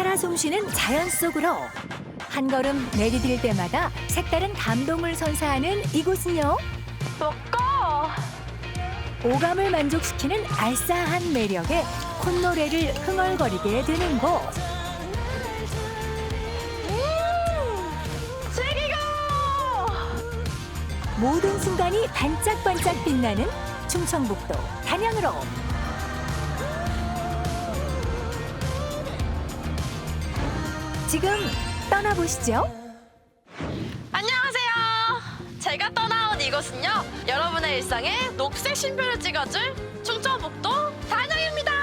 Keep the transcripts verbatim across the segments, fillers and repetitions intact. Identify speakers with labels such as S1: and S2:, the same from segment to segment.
S1: 살아 숨쉬는 자연 속으로 한 걸음 내디딜 때마다 색다른 감동을 선사하는 이곳은요.
S2: 먹고
S1: 오감을 만족시키는 알싸한 매력에 콧노래를 흥얼거리게 되는 곳.
S2: 즐기고
S1: 모든 순간이 반짝반짝 빛나는 충청북도 단양으로. 지금 떠나보시죠.
S2: 안녕하세요. 제가 떠나온 이곳은요, 여러분의 일상에 녹색 쉼표를 찍어줄 충청북도 단양입니다.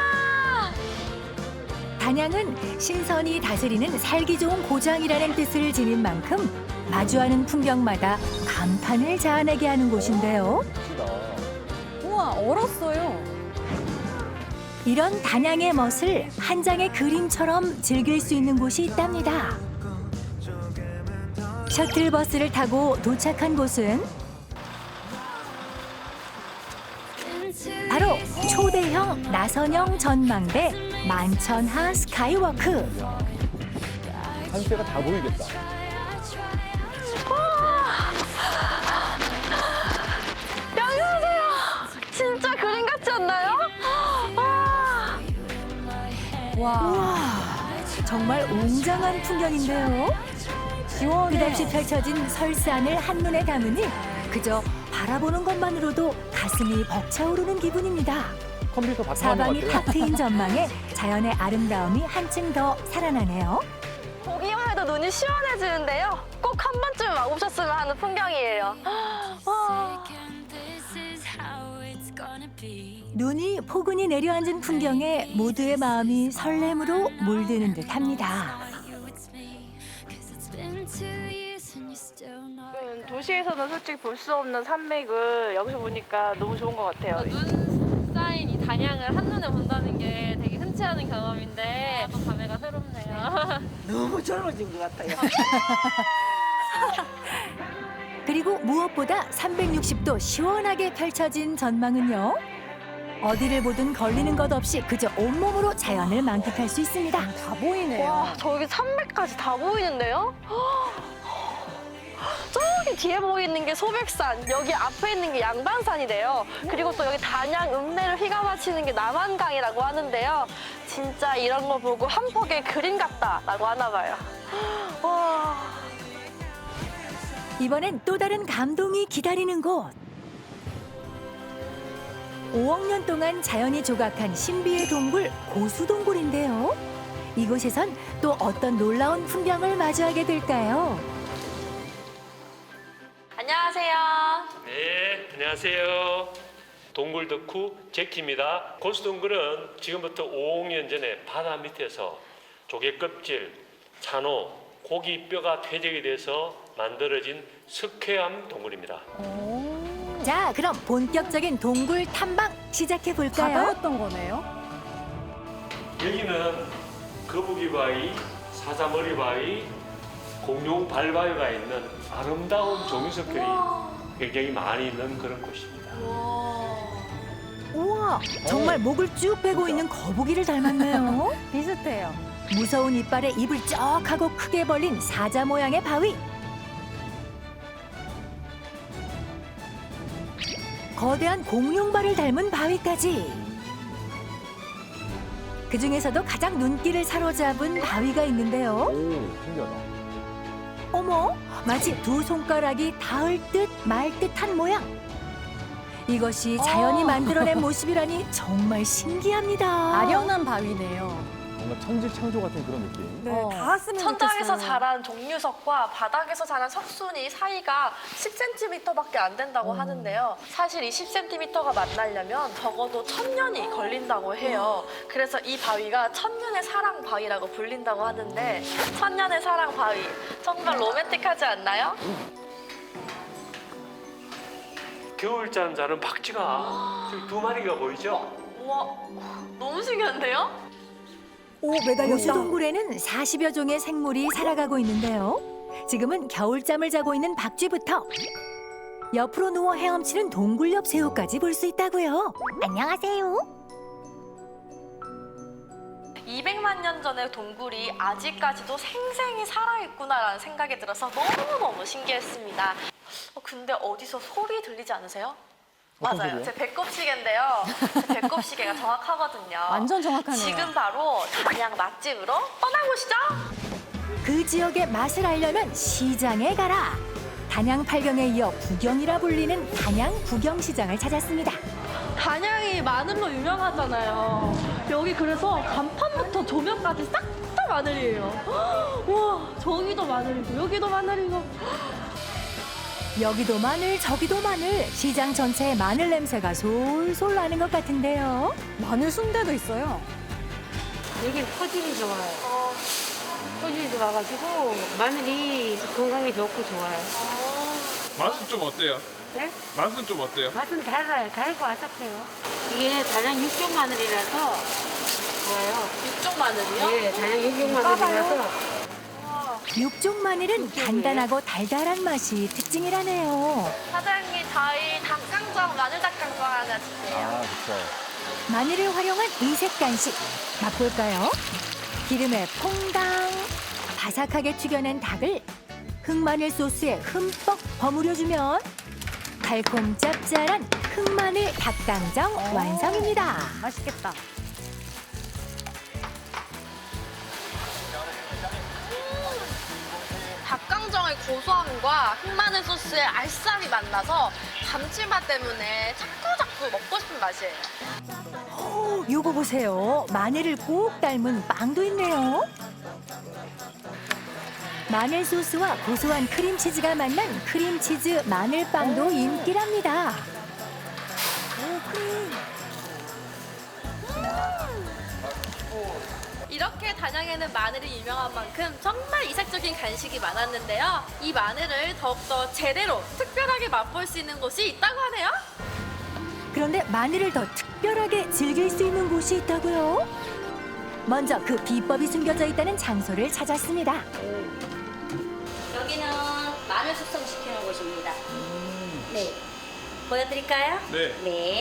S1: 단양은 신선이 다스리는 살기 좋은 고장이라는 뜻을 지닌 만큼 마주하는 풍경마다 감탄을 자아내게 하는 곳인데요.
S3: 우와, 얼었어요.
S1: 이런 단양의 멋을 한 장의 그림처럼 즐길 수 있는 곳이 있답니다. 셔틀버스를 타고 도착한 곳은 바로 초대형 나선형 전망대 만천하 스카이워크.
S4: 산세가 다 보이겠다.
S2: 여기 보세요. 진짜 그림 같지 않나요? 와.
S3: 와,
S1: 우와, 정말 웅장한 풍경인데요.
S3: 시원해.
S1: 끝없이 펼쳐진 설산을 한눈에 담으니 그저 바라보는 것만으로도 가슴이 벅차오르는 기분입니다.
S4: 컴퓨터 바탕화면
S1: 사방이
S4: 같아요.
S1: 탁 트인 전망에 자연의 아름다움이 한층 더 살아나네요.
S2: 보기만 해도 눈이 시원해지는데요. 꼭 한 번쯤 와보셨으면 하는 풍경이에요. 와.
S1: 눈이 포근히 내려앉은 풍경에 모두의 마음이 설렘으로 물드는 듯합니다.
S2: 음, 도시에서는 솔직히 볼 수 없는 산맥을 여기서 보니까 너무 좋은 것 같아요.
S5: 눈 쌓인 이 단양을 한눈에 본다는 게 되게 흔치 않은 경험인데 또 감회가 새롭네요.
S6: 너무 젊어진 것 같아요.
S1: 그리고 무엇보다 삼백육십 도 시원하게 펼쳐진 전망은요. 어디를 보든 걸리는 것 없이 그저 온몸으로 자연을 만끽할 수 있습니다.
S3: 다 보이네요.
S2: 와, 저기 산맥까지 다 보이는데요? 저기 뒤에 보이는 게 소백산, 여기 앞에 있는 게 양반산이래요. 그리고 또 여기 단양 읍내를 휘감아치는 게 남한강이라고 하는데요. 진짜 이런 거 보고 한 폭의 그림 같다라고 하나 봐요. 와.
S1: 이번엔 또 다른 감동이 기다리는 곳. 오억 년 동안 자연이 조각한 신비의 동굴 고수동굴인데요. 이곳에선 또 어떤 놀라운 풍경을 마주하게 될까요?
S2: 안녕하세요.
S7: 네, 안녕하세요. 동굴 덕후 제키입니다. 고수동굴은 지금부터 오억 년 전에 바다 밑에서 조개 껍질, 산호, 고기 뼈가 퇴적이 돼서 만들어진 석회암 동굴입니다.
S1: 자, 그럼 본격적인 동굴 탐방 시작해 볼까요?
S3: 바다였던 거네요.
S7: 여기는 거북이 바위, 사자머리 바위, 공룡 발바위가 있는 아름다운 종이석들이 굉장히 많이 있는 그런 곳입니다.
S1: 우와, 정말 목을 쭉 빼고 있는 거북이를 닮았네요.
S3: 비슷해요.
S1: 무서운 이빨에 입을 쩍 하고 크게 벌린 사자 모양의 바위. 거대한 공룡발을 닮은 바위까지. 그 중에서도 가장 눈길을 사로잡은 바위가 있는데요.
S4: 오, 신기하다.
S1: 어머, 마치 두 손가락이 닿을 듯 말 듯한 모양. 이것이 자연이
S3: 어.
S1: 만들어낸 모습이라니 정말 신기합니다.
S3: 아련한 바위네요.
S4: 뭔가 천지창조 같은 그런 느낌.
S6: 네,
S3: 어.
S6: 닿았으면
S2: 천장에서
S6: 좋겠어요.
S2: 자란 종류석과 바닥에서 자란 석순이 사이가 십 센티미터밖에 안 된다고 하는데요. 사실 이 십 센티미터가 만나려면 적어도 천 년이 걸린다고 해요. 그래서 이 바위가 천년의 사랑 바위라고 불린다고 하는데 천년의 사랑 바위 정말 로맨틱하지 않나요?
S7: 겨울잠 자는 박쥐가 저기 두 마리가 보이죠?
S2: 우와, 너무 신기한데요?
S6: 오, 매달렸다.
S1: 고수동굴에는 사십여 종의 생물이 살아가고 있는데요. 지금은 겨울잠을 자고 있는 박쥐부터 옆으로 누워 헤엄치는 동굴 옆 새우까지 볼 수 있다고요. 안녕하세요.
S2: 이백만 년 전의 동굴이 아직까지도 생생히 살아있구나라는 생각이 들어서 너무너무 신기했습니다. 어, 근데 어디서 소리 들리지 않으세요?
S4: 어떤
S2: 맞아요.
S4: 소리요?
S2: 제 배꼽시계인데요. 제 배꼽시계가 정확하거든요.
S3: 완전 정확하네요.
S2: 지금 바로 단양 맛집으로 떠나보시죠.
S1: 그 지역의 맛을 알려면 시장에 가라. 단양 팔경에 이어 구경이라 불리는 단양 구경시장을 찾았습니다.
S2: 단양이 마늘로 유명하잖아요. 여기 그래서 간판부터 조명까지 싹 다 마늘이에요. 와, 저기도 마늘이고 여기도 마늘이고.
S1: 여기도 마늘 저기도 마늘. 시장 전체에 마늘 냄새가 솔솔 나는 것 같은데요.
S3: 마늘 순대도 있어요.
S8: 여기는 토질이 좋아요.
S2: 어,
S8: 토질이 좋아가지고 마늘이 건강에 좋고 좋아요.
S9: 맛은 좀 어때요?
S8: 네?
S9: 맛은 좀 어때요?
S8: 맛은 달아요. 달고 아삭해요. 이게 단양 육종 마늘이라서 좋아요.
S2: 육종 마늘이요?
S8: 네, 단양 육종 마늘이라서
S1: 육종 마늘은 단단하고 달달한 맛이 특징이라네요.
S2: 사장님, 저희 닭강정, 마늘 닭강정 하나 주세요.
S4: 아, 그렇죠.
S1: 마늘을 활용한 이색 간식 맛볼까요? 기름에 퐁당 바삭하게 튀겨낸 닭을 흑마늘 소스에 흠뻑 버무려주면 달콤 짭짤한 흑마늘 닭강정 완성입니다.
S3: 맛있겠다.
S2: 닭강정의 고소함과 흑마늘 소스의 알싸함이 만나서 감칠맛 때문에 자꾸자꾸 먹고 싶은 맛이에요.
S1: 오, 요거 보세요. 마늘을 꼭 닮은 빵도 있네요. 마늘 소스와 고소한 크림치즈가 만난 크림치즈 마늘빵도 인기랍니다.
S2: 이렇게 단양에는 마늘이 유명한 만큼 정말 이색적인 간식이 많았는데요. 이 마늘을 더욱더 제대로 특별하게 맛볼 수 있는 곳이 있다고 하네요.
S1: 그런데 마늘을 더 특별하게 즐길 수 있는 곳이 있다고요? 먼저 그 비법이 숨겨져 있다는 장소를 찾았습니다.
S10: 여기는 마늘 숙성시키는 곳입니다. 네. 보여드릴까요?
S9: 네.
S10: 네.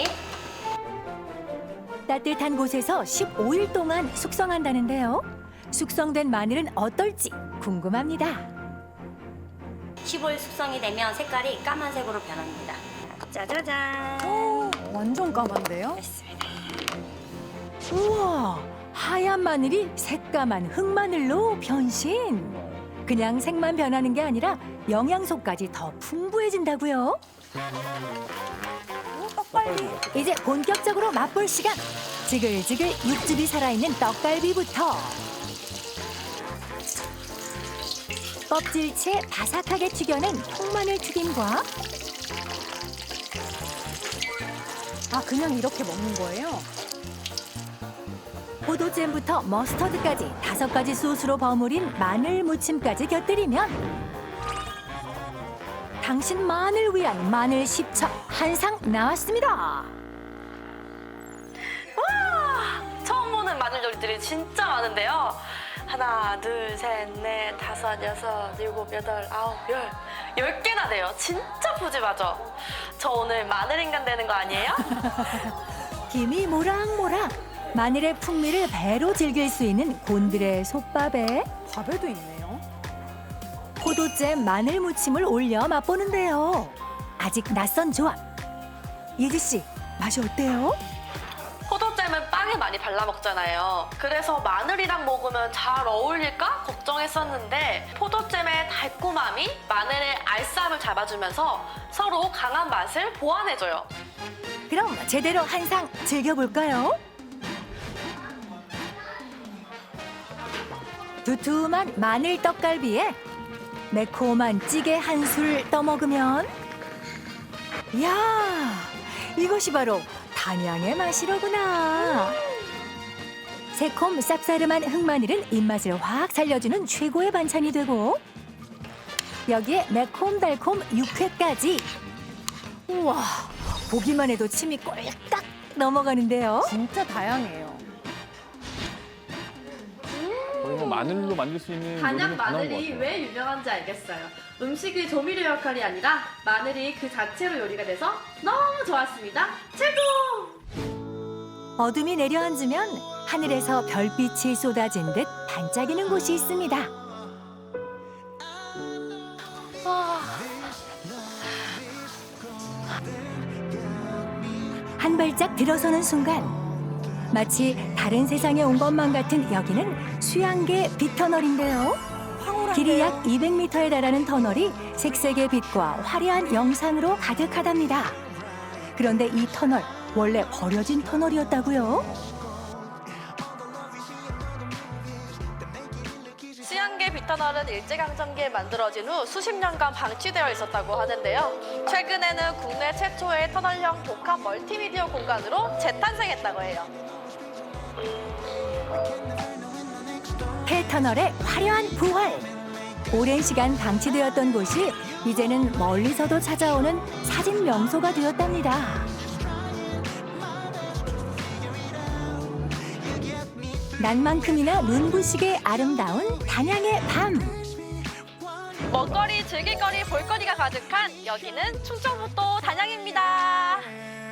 S1: 따뜻한 곳에서 십오 일 동안 숙성한다는데요. 숙성된 마늘은 어떨지 궁금합니다.
S10: 십오 일 숙성이 되면 색깔이 까만색으로 변합니다. 짜자잔.
S3: 오, 완전 까만데요?
S1: 우와, 하얀 마늘이 새까만 흑마늘로 변신. 그냥 색만 변하는 게 아니라 영양소까지 더 풍부해진다고요. 이제 본격적으로 맛볼 시간. 지글지글 육즙이 살아있는 떡갈비부터 껍질채 바삭하게 튀겨낸 통마늘 튀김과
S3: 아, 그냥 이렇게 먹는 거예요?
S1: 포도잼부터 머스터드까지 다섯 가지 소스로 버무린 마늘 무침까지 곁들이면 당신만을 위한 마늘 십첩 한 상 나왔습니다.
S2: 와, 처음 보는 마늘 요리들이 진짜 많은데요. 하나, 둘, 셋, 넷, 다섯, 여섯, 일곱, 여덟, 아홉, 열. 열 개나 돼요. 진짜 푸짐하죠? 저 오늘 마늘 인간 되는 거 아니에요?
S1: 김이 모락모락 마늘의 풍미를 배로 즐길 수 있는 곤드레 솥밥에
S3: 밥에도 있네요.
S1: 포도잼 마늘 무침을 올려 맛보는데요. 아직 낯선 조합. 예지 씨, 맛이 어때요?
S2: 포도잼은 빵에 많이 발라 먹잖아요. 그래서 마늘이랑 먹으면 잘 어울릴까 걱정했었는데 포도잼의 달콤함이 마늘의 알싸함을 잡아주면서 서로 강한 맛을 보완해줘요.
S1: 그럼 제대로 한 상 즐겨볼까요? 두툼한 마늘 떡갈비에 매콤한 찌개 한 술 떠먹으면 이야, 이것이 바로 단양의 맛이로구나. 새콤 쌉싸름한 흑마늘은 입맛을 확 살려주는 최고의 반찬이 되고 여기에 매콤달콤 육회까지. 우와, 보기만 해도 침이 꼴깍 넘어가는데요.
S3: 진짜 다양해요.
S4: 거의 뭐 마늘로 만들 수 있는
S2: 단양
S4: 요리는 다 나온 것
S2: 마늘이
S4: 같아요.
S2: 왜 유명한지 알겠어요. 음식의 조미료 역할이 아니라 마늘이 그 자체로 요리가 돼서 너무 좋았습니다. 최고!
S1: 어둠이 내려앉으면 하늘에서 별빛이 쏟아진 듯 반짝이는 곳이 있습니다. 한 발짝 들어서는 순간 마치 다른 세상에 온 것만 같은 여기는 수양계 빛터널인데요. 길이 약 이백 미터에 달하는 터널이 색색의 빛과 화려한 영상으로 가득하답니다. 그런데 이 터널 원래 버려진 터널이었다고요?
S2: 수양계 빛터널은 일제강점기에 만들어진 후 수십 년간 방치되어 있었다고 하는데요. 최근에는 국내 최초의 터널형 복합 멀티미디어 공간으로 재탄생했다고 해요.
S1: 폐터널의 화려한 부활. 오랜 시간 방치되었던 곳이 이제는 멀리서도 찾아오는 사진 명소가 되었답니다. 난만큼이나 눈부시게 아름다운 단양의 밤.
S2: 먹거리, 즐길거리, 볼거리가 가득한 여기는 충청북도 단양입니다.